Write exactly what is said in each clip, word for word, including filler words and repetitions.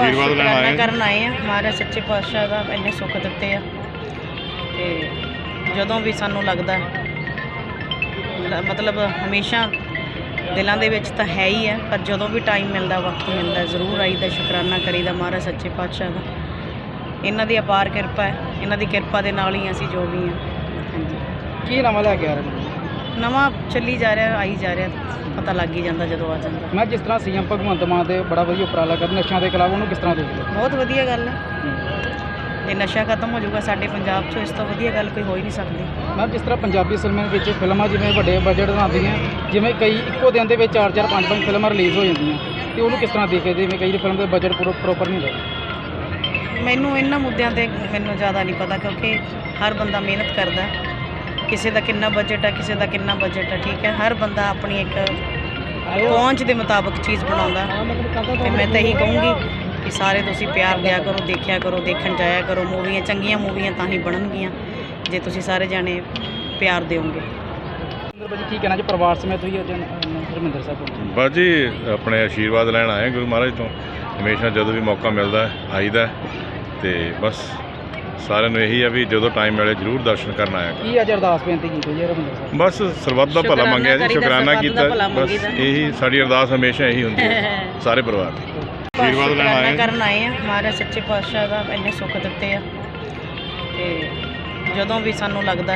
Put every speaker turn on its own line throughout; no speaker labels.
ਆਸ਼ੀਰਵਾਦ ਲੈਣ
ਸ਼ੁਕਰਾਨਾ
ਆਏ
ਕਰਨ ਆਏ ਆ। ਮਹਾਰਾਜ ਸੱਚੇ ਪਾਤਸ਼ਾਹ ਦਾ ਇੰਨੇ ਸੁੱਖ ਦਿੱਤੇ ਆ ਤੇ ਜਦੋਂ ਵੀ ਸਾਨੂੰ ਲੱਗਦਾ ਲ- ਮਤਲਬ ਹਮੇਸ਼ਾ ਦਿਲਾਂ ਦੇ ਵਿੱਚ ਤਾਂ ਹੈ ਹੀ ਆ, ਪਰ ਜਦੋਂ ਵੀ ਟਾਈਮ ਮਿਲਦਾ, ਵਕਤ ਮਿਲਦਾ, ਜ਼ਰੂਰ ਆਈਦਾ, ਸ਼ੁਕਰਾਨਾ ਕਰੀਦਾ ਮਹਾਰਾਜ ਸੱਚੇ ਪਾਤਸ਼ਾਹ ਦਾ। ਇਹਨਾਂ ਦੀ ਅਪਾਰ ਕਿਰਪਾ ਹੈ, ਇਹਨਾਂ ਦੀ ਕਿਰਪਾ ਦੇ ਨਾਲ ਹੀ ਅਸੀਂ ਜੋ ਵੀ ਹਾਂ। ਹਾਂਜੀ,
ਕੀ ਨਵਾਂ ਲੈ ਕੇ ਆ ਰਹੇ ਨੇ?
ਨਵਾਂ ਚੱਲੀ ਜਾ ਰਿਹਾ, ਆਈ ਜਾ ਰਿਹਾ, ਪਤਾ ਲੱਗ ਹੀ ਜਾਂਦਾ ਜਦੋਂ ਆ ਜਾਂਦਾ।
ਮੈਂ ਜਿਸ ਤਰ੍ਹਾਂ ਸੀਐਮ ਭਗਵੰਤ ਮਾਨ ਦੇ ਬੜਾ ਵਧੀਆ ਉਪਰਾਲਾ ਕਰ ਨਸ਼ਿਆਂ ਦੇ ਖਿਲਾਫ, ਉਹਨੂੰ ਕਿਸ ਤਰ੍ਹਾਂ ਦੇਖਦੇ ਹੋ?
ਬਹੁਤ ਵਧੀਆ ਗੱਲ ਹੈ। ਜੇ ਨਸ਼ਾ ਖਤਮ ਹੋ ਜਾਊਗਾ ਸਾਡੇ ਪੰਜਾਬ 'ਚੋਂ, ਇਸ ਤੋਂ ਵਧੀਆ ਗੱਲ ਕੋਈ ਹੋ ਹੀ ਨਹੀਂ ਸਕਦੀ।
ਮੈਂ ਜਿਸ ਤਰ੍ਹਾਂ ਪੰਜਾਬੀ ਸਿਨੇਮੇ ਵਿੱਚ ਫਿਲਮਾਂ ਜਿਵੇਂ ਵੱਡੇ ਬਜਟ ਬਣਾਉਂਦੀਆਂ, ਜਿਵੇਂ ਕਈ ਇੱਕੋ ਦਿਨ ਦੇ ਵਿੱਚ ਚਾਰ ਚਾਰ ਪੰਜ ਪੰਜ ਫਿਲਮਾਂ ਰਿਲੀਜ਼ ਹੋ ਜਾਂਦੀਆਂ, ਤੇ ਉਹਨੂੰ ਕਿਸ ਤਰ੍ਹਾਂ ਦੇਖਦੇ? ਜਿਵੇਂ ਕਈ ਫਿਲਮ ਦੇ ਬਜਟ ਪੂਰਾ ਪ੍ਰੋਪਰ ਨਹੀਂ ਹੁੰਦਾ।
ਮੈਨੂੰ ਇਹਨਾਂ ਮੁੱਦਿਆਂ 'ਤੇ ਮੈਨੂੰ ਜ਼ਿਆਦਾ ਨਹੀਂ ਪਤਾ, ਕਿਉਂਕਿ ਹਰ ਬੰਦਾ ਮਿਹਨਤ ਕਰਦਾ। ਕਿਸੇ ਦਾ ਕਿੰਨਾ ਬਜਟ ਹੈ, ਕਿਸੇ ਦਾ ਕਿੰਨਾ ਬਜਟ ਹੈ, ਠੀਕ ਹੈ। ਹਰ ਬੰਦਾ ਆਪਣੀ ਇੱਕ ਪਹੁੰਚ ਦੇ ਮੁਤਾਬਕ ਚੀਜ਼ ਬਣਾਉਂਦਾ, ਤੇ ਮੈਂ ਤਾਂ ਇਹੀ ਕਹੂੰਗੀ ਕਿ ਸਾਰੇ ਤੁਸੀਂ ਪਿਆਰ ਦਿਆ ਕਰੋ, ਦੇਖਿਆ ਕਰੋ, ਦੇਖਣ ਜਾਇਆ ਕਰੋ। ਮੂਵੀਆਂ ਚੰਗੀਆਂ ਮੂਵੀਆਂ ਤਾਂ ਹੀ ਬਣਨਗੀਆਂ ਜੇ ਤੁਸੀਂ ਸਾਰੇ ਜਾਣੇ ਪਿਆਰ ਦਿਓਗੇ।
ਭਾਜੀ ਕੀ ਕਹਿਣਾ ਜੀ, ਪਰਿਵਾਰ ਸਮੇਤ ਤੁਸੀਂ ਅੱਜ ਹਰਿਮੰਦਰ ਸਾਹਿਬ ਪਹੁੰਚੇ?
ਬਸ ਜੀ ਆਪਣੇ ਆਸ਼ੀਰਵਾਦ ਲੈਣ ਆਏ ਗੁਰੂ ਮਹਾਰਾਜ ਤੋਂ। ਹਮੇਸ਼ਾ ਜਦੋਂ ਵੀ ਮੌਕਾ ਮਿਲਦਾ ਆਈਦਾ, ਤੇ ਬਸ ਸਾਰਿਆਂ ਨੂੰ ਇਹੀ ਆ ਵੀ ਜਦੋਂ ਟਾਈਮ ਮਿਲੇ ਜ਼ਰੂਰ ਦਰਸ਼ਨ ਕਰਨ ਆਇਆ ਕਰੋ।
ਕੀ ਅੱਜ ਅਰਦਾਸ ਬੇਨਤੀ ਕੀਤੀ ਜੀ ਹਰਿਮੰਦਰ ਸਾਹਿਬ?
ਬਸ ਸਰਬੱਤ ਦਾ ਭਲਾ ਮੰਗਿਆ ਜੀ, ਸ਼ੁਕਰਾਨਾ ਕੀਤਾ,
ਭਲਾ
ਬਸ
ਮੰਗੀਦਾ।
ਇਹੀ ਸਾਡੀ ਅਰਦਾਸ ਹਮੇਸ਼ਾ ਇਹੀ ਹੁੰਦੀ ਹੈ ਸਾਰੇ ਪਰਿਵਾਰ ਦੀ। ਆਸ਼ੀਰਵਾਦ ਲੈਣ
ਸ਼ੁਕਰਾਨਾ
ਆਏ
ਕਰਨ ਆਏ ਆ। ਮਹਾਰਾਜ ਸੱਚੇ ਪਾਤਸ਼ਾਹ ਦਾ ਇੰਨੇ ਸੁੱਖ ਦਿੱਤੇ ਆ ਤੇ ਜਦੋਂ ਵੀ ਸਾਨੂੰ ਲੱਗਦਾ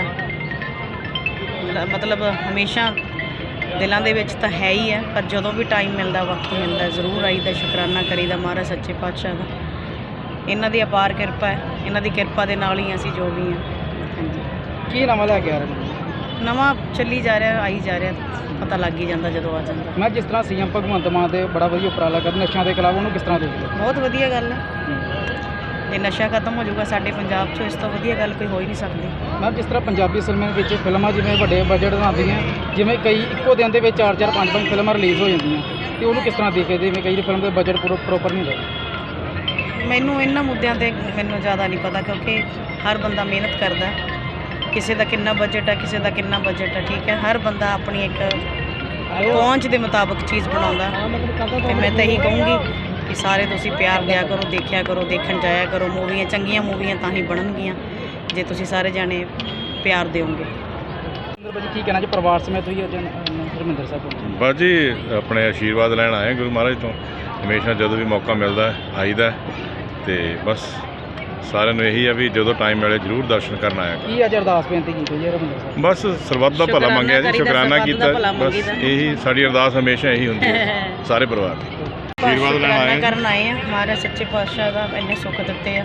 ਲ- ਮਤਲਬ ਹਮੇਸ਼ਾ ਦਿਲਾਂ ਦੇ ਵਿੱਚ ਤਾਂ ਹੈ ਹੀ ਆ, ਪਰ ਜਦੋਂ ਵੀ ਟਾਈਮ ਮਿਲਦਾ, ਵਕਤ ਮਿਲਦਾ, ਜ਼ਰੂਰ ਆਈਦਾ, ਸ਼ੁਕਰਾਨਾ ਕਰੀਦਾ ਮਹਾਰਾਜ ਸੱਚੇ ਪਾਤਸ਼ਾਹ ਦਾ। ਇਹਨਾਂ ਦੀ ਅਪਾਰ ਕਿਰਪਾ ਹੈ, ਇਹਨਾਂ ਦੀ ਕਿਰਪਾ ਦੇ ਨਾਲ ਹੀ ਅਸੀਂ ਜੋ ਵੀ ਹਾਂ। ਹਾਂਜੀ,
ਕੀ ਨਵਾਂ ਲੈ ਕੇ ਆ ਰਹੇ ਨੇ?
ਨਵਾਂ ਚੱਲੀ ਜਾ ਰਿਹਾ, ਆਈ ਜਾ ਰਿਹਾ, ਪਤਾ ਲੱਗ ਹੀ ਜਾਂਦਾ ਜਦੋਂ ਆ ਜਾਂਦਾ।
ਮੈਂ ਜਿਸ ਤਰ੍ਹਾਂ ਸੀਐਮ ਭਗਵੰਤ ਮਾਨ ਦੇ ਬੜਾ ਵਧੀਆ ਉਪਰਾਲਾ ਕਰ ਨਸ਼ਿਆਂ ਦੇ ਖਿਲਾਫ, ਉਹਨੂੰ ਕਿਸ ਤਰ੍ਹਾਂ ਦੇਖਦੇ ਹੋ?
ਬਹੁਤ ਵਧੀਆ ਗੱਲ ਹੈ। ਜੇ ਨਸ਼ਾ ਖਤਮ ਹੋ ਜਾਊਗਾ ਸਾਡੇ ਪੰਜਾਬ 'ਚੋਂ, ਇਸ ਤੋਂ ਵਧੀਆ ਗੱਲ ਕੋਈ ਹੋ ਹੀ ਨਹੀਂ ਸਕਦੀ।
ਮੈਂ ਜਿਸ ਤਰ੍ਹਾਂ ਪੰਜਾਬੀ ਸਿਨੇਮੇ ਵਿੱਚ ਫਿਲਮਾਂ ਜਿਵੇਂ ਵੱਡੇ ਬਜਟ ਬਣਾਉਂਦੀਆਂ, ਜਿਵੇਂ ਕਈ ਇੱਕੋ ਦਿਨ ਦੇ ਵਿੱਚ ਚਾਰ ਚਾਰ ਪੰਜ ਪੰਜ ਫਿਲਮਾਂ ਰਿਲੀਜ਼ ਹੋ ਜਾਂਦੀਆਂ, ਤੇ ਉਹਨੂੰ ਕਿਸ ਤਰ੍ਹਾਂ ਦੇਖਦੇ? ਜਿਵੇਂ ਕਈ ਫਿਲਮ ਦੇ ਬਜਟ ਪੂਰਾ ਪ੍ਰੋਪਰ ਨਹੀਂ ਹੁੰਦਾ।
ਮੈਨੂੰ ਇਹਨਾਂ ਮੁੱਦਿਆਂ 'ਤੇ ਮੈਨੂੰ ਜ਼ਿਆਦਾ ਨਹੀਂ ਪਤਾ, ਕਿਉਂਕਿ ਹਰ ਬੰਦਾ ਮਿਹਨਤ ਕਰਦਾ। ਕਿਸੇ ਦਾ ਕਿੰਨਾ ਬਜਟ ਹੈ, ਕਿਸੇ ਦਾ ਕਿੰਨਾ ਬਜਟ ਹੈ, ਠੀਕ ਹੈ। ਹਰ ਬੰਦਾ ਆਪਣੀ ਇੱਕ ਪਹੁੰਚ ਦੇ ਮੁਤਾਬਕ ਚੀਜ਼ ਬਣਾਉਂਦਾ, ਤੇ ਮੈਂ ਤਾਂ ਇਹੀ ਕਹੂੰਗੀ ਕਿ ਸਾਰੇ ਤੁਸੀਂ ਪਿਆਰ ਦਿਆ ਕਰੋ, ਦੇਖਿਆ ਕਰੋ, ਦੇਖਣ ਜਾਇਆ ਕਰੋ। ਮੂਵੀਆਂ ਚੰਗੀਆਂ ਮੂਵੀਆਂ ਤਾਂ ਹੀ ਬਣਨਗੀਆਂ ਜੇ ਤੁਸੀਂ ਸਾਰੇ ਜਾਣੇ ਪਿਆਰ ਦਿਓਗੇ।
ਭਾਜੀ ਕੀ ਕਹਿਣਾ ਜੀ, ਪਰਿਵਾਰ ਸਮੇਤ ਤੁਸੀਂ ਅੱਜ ਹਰਿਮੰਦਰ ਸਾਹਿਬ ਪਹੁੰਚੇ?
ਬਸ ਜੀ ਆਪਣੇ ਆਸ਼ੀਰਵਾਦ ਲੈਣ ਆਏ ਗੁਰੂ ਮਹਾਰਾਜ ਤੋਂ। ਹਮੇਸ਼ਾ ਜਦੋਂ ਵੀ ਮੌਕਾ ਮਿਲਦਾ ਆਈਦਾ, ਤੇ ਬਸ ਸਾਰਿਆਂ ਨੂੰ ਇਹੀ ਆ ਵੀ ਜਦੋਂ ਟਾਈਮ ਮਿਲੇ ਜ਼ਰੂਰ ਦਰਸ਼ਨ ਕਰਨ ਆਇਆ ਕਰੋ।
ਕੀ ਅੱਜ ਅਰਦਾਸ ਬੇਨਤੀ ਕੀਤੀ ਜੀ ਹਰਿਮੰਦਰ ਸਾਹਿਬ?
ਬਸ ਸਰਬੱਤ ਦਾ ਭਲਾ ਮੰਗਿਆ ਜੀ, ਸ਼ੁਕਰਾਨਾ ਕੀਤਾ,
ਭਲਾ
ਬਸ
ਮੰਗੀਦਾ।
ਇਹੀ ਸਾਡੀ ਅਰਦਾਸ ਹਮੇਸ਼ਾ ਇਹੀ ਹੁੰਦੀ ਹੈ ਸਾਰੇ ਪਰਿਵਾਰ ਦੀ। ਆਸ਼ੀਰਵਾਦ ਲੈਣ
ਸ਼ੁਕਰਾਨਾ
ਆਏ
ਕਰਨ ਆਏ ਆ। ਮਹਾਰਾਜ ਸੱਚੇ ਪਾਤਸ਼ਾਹ ਦਾ ਇੰਨੇ ਸੁੱਖ ਦਿੱਤੇ ਆ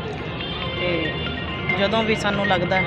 ਤੇ ਜਦੋਂ ਵੀ ਸਾਨੂੰ ਲੱਗਦਾ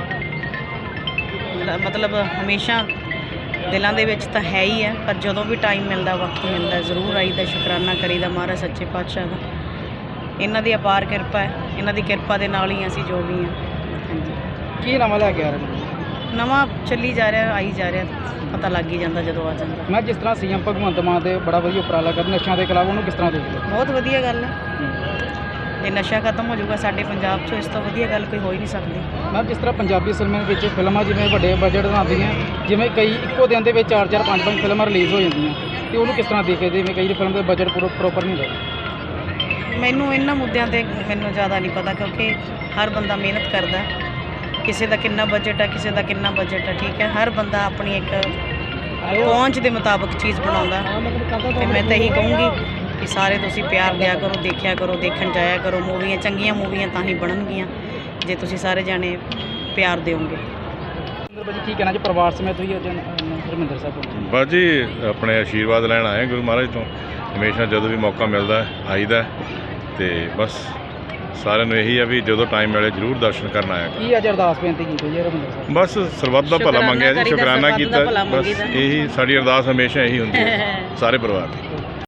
ਲ- ਮਤਲਬ ਹਮੇਸ਼ਾ ਦਿਲਾਂ ਦੇ ਵਿੱਚ ਤਾਂ ਹੈ ਹੀ ਆ, ਪਰ ਜਦੋਂ ਵੀ ਟਾਈਮ ਮਿਲਦਾ, ਵਕਤ ਮਿਲਦਾ, ਜ਼ਰੂਰ ਆਈਦਾ, ਸ਼ੁਕਰਾਨਾ ਕਰੀਦਾ ਮਹਾਰਾਜ ਸੱਚੇ ਪਾਤਸ਼ਾਹ ਦਾ। ਇਹਨਾਂ ਦੀ ਅਪਾਰ ਕਿਰਪਾ ਹੈ, ਇਹਨਾਂ ਦੀ ਕਿਰਪਾ ਦੇ ਨਾਲ ਹੀ ਅਸੀਂ ਜੋ ਵੀ ਹਾਂ। ਹਾਂਜੀ,
ਕੀ ਨਵਾਂ ਲੈ ਕੇ ਆ ਰਹੇ ਨੇ?
ਨਵਾਂ ਚੱਲੀ ਜਾ ਰਿਹਾ, ਆਈ ਜਾ ਰਿਹਾ, ਪਤਾ ਲੱਗ ਹੀ ਜਾਂਦਾ ਜਦੋਂ ਆ ਜਾਂਦਾ।
ਮੈਂ ਜਿਸ ਤਰ੍ਹਾਂ ਸੀਐਮ ਭਗਵੰਤ ਮਾਨ ਦੇ ਬੜਾ ਵਧੀਆ ਉਪਰਾਲਾ ਕਰ ਨਸ਼ਿਆਂ ਦੇ ਖਿਲਾਫ, ਉਹਨੂੰ ਕਿਸ ਤਰ੍ਹਾਂ ਦੇਖਦੇ ਹੋ?
ਬਹੁਤ ਵਧੀਆ ਗੱਲ ਹੈ। ਜੇ ਨਸ਼ਾ ਖਤਮ ਹੋ ਜਾਊਗਾ ਸਾਡੇ ਪੰਜਾਬ 'ਚੋਂ, ਇਸ ਤੋਂ ਵਧੀਆ ਗੱਲ ਕੋਈ ਹੋ ਹੀ ਨਹੀਂ ਸਕਦੀ।
ਮੈਂ ਜਿਸ ਤਰ੍ਹਾਂ ਪੰਜਾਬੀ ਸਿਨੇਮੇ ਵਿੱਚ ਫਿਲਮਾਂ ਜਿਵੇਂ ਵੱਡੇ ਬਜਟ ਬਣਾਉਂਦੀਆਂ, ਜਿਵੇਂ ਕਈ ਇੱਕੋ ਦਿਨ ਦੇ ਵਿੱਚ ਚਾਰ ਚਾਰ ਪੰਜ ਪੰਜ ਫਿਲਮਾਂ ਰਿਲੀਜ਼ ਹੋ ਜਾਂਦੀਆਂ, ਤੇ ਉਹਨੂੰ ਕਿਸ ਤਰ੍ਹਾਂ ਦੇਖਦੇ? ਜਿਵੇਂ ਕਈ ਫਿਲਮ ਦੇ ਬਜਟ ਪੂਰਾ ਪ੍ਰੋਪਰ ਨਹੀਂ ਹੁੰਦਾ।
ਮੈਨੂੰ ਇਹਨਾਂ ਮੁੱਦਿਆਂ 'ਤੇ ਮੈਨੂੰ ਜ਼ਿਆਦਾ ਨਹੀਂ ਪਤਾ, ਕਿਉਂਕਿ ਹਰ ਬੰਦਾ ਮਿਹਨਤ ਕਰਦਾ। ਕਿਸੇ ਦਾ ਕਿੰਨਾ ਬਜਟ ਹੈ, ਕਿਸੇ ਦਾ ਕਿੰਨਾ ਬਜਟ ਹੈ, ਠੀਕ ਹੈ। ਹਰ ਬੰਦਾ ਆਪਣੀ ਇੱਕ ਪਹੁੰਚ ਦੇ ਮੁਤਾਬਕ ਚੀਜ਼ ਬਣਾਉਂਦਾ, ਤੇ ਮੈਂ ਤਾਂ ਇਹੀ ਕਹੂੰਗੀ ਕਿ ਸਾਰੇ ਤੁਸੀਂ ਪਿਆਰ ਦਿਆ ਕਰੋ, ਦੇਖਿਆ ਕਰੋ, ਦੇਖਣ ਜਾਇਆ ਕਰੋ। ਮੂਵੀਆਂ ਚੰਗੀਆਂ ਮੂਵੀਆਂ ਤਾਂ ਹੀ ਬਣਨਗੀਆਂ ਜੇ ਤੁਸੀਂ ਸਾਰੇ ਜਾਣੇ ਪਿਆਰ ਦਿਓਗੇ।
ਭਾਜੀ ਕੀ ਕਹਿਣਾ ਜੀ, ਪਰਿਵਾਰ ਸਮੇਤ ਤੁਸੀਂ ਅੱਜ ਹਰਿਮੰਦਰ ਸਾਹਿਬ ਪਹੁੰਚੇ?
ਬਸ ਜੀ ਆਪਣੇ ਆਸ਼ੀਰਵਾਦ ਲੈਣ ਆਏ ਗੁਰੂ ਮਹਾਰਾਜ ਤੋਂ। ਹਮੇਸ਼ਾ ਜਦੋਂ ਵੀ ਮੌਕਾ ਮਿਲਦਾ ਆਈਦਾ, ਤੇ ਬਸ ਸਾਰਿਆਂ ਨੂੰ ਇਹੀ ਆ ਵੀ ਜਦੋਂ ਟਾਈਮ ਮਿਲੇ ਜ਼ਰੂਰ ਦਰਸ਼ਨ ਕਰਨ ਆਇਆ ਕਰੋ।
ਕੀ ਅੱਜ ਅਰਦਾਸ ਬੇਨਤੀ ਕੀਤੀ ਜੀ ਹਰਿਮੰਦਰ ਸਾਹਿਬ?
ਬਸ ਸਰਬੱਤ ਦਾ ਭਲਾ ਮੰਗਿਆ ਜੀ, ਸ਼ੁਕਰਾਨਾ ਕੀਤਾ,
ਭਲਾ
ਬਸ
ਮੰਗੀਦਾ।
ਇਹੀ ਸਾਡੀ ਅਰਦਾਸ ਹਮੇਸ਼ਾ ਇਹੀ ਹੁੰਦੀ ਹੈ ਸਾਰੇ ਪਰਿਵਾਰ ਦੀ।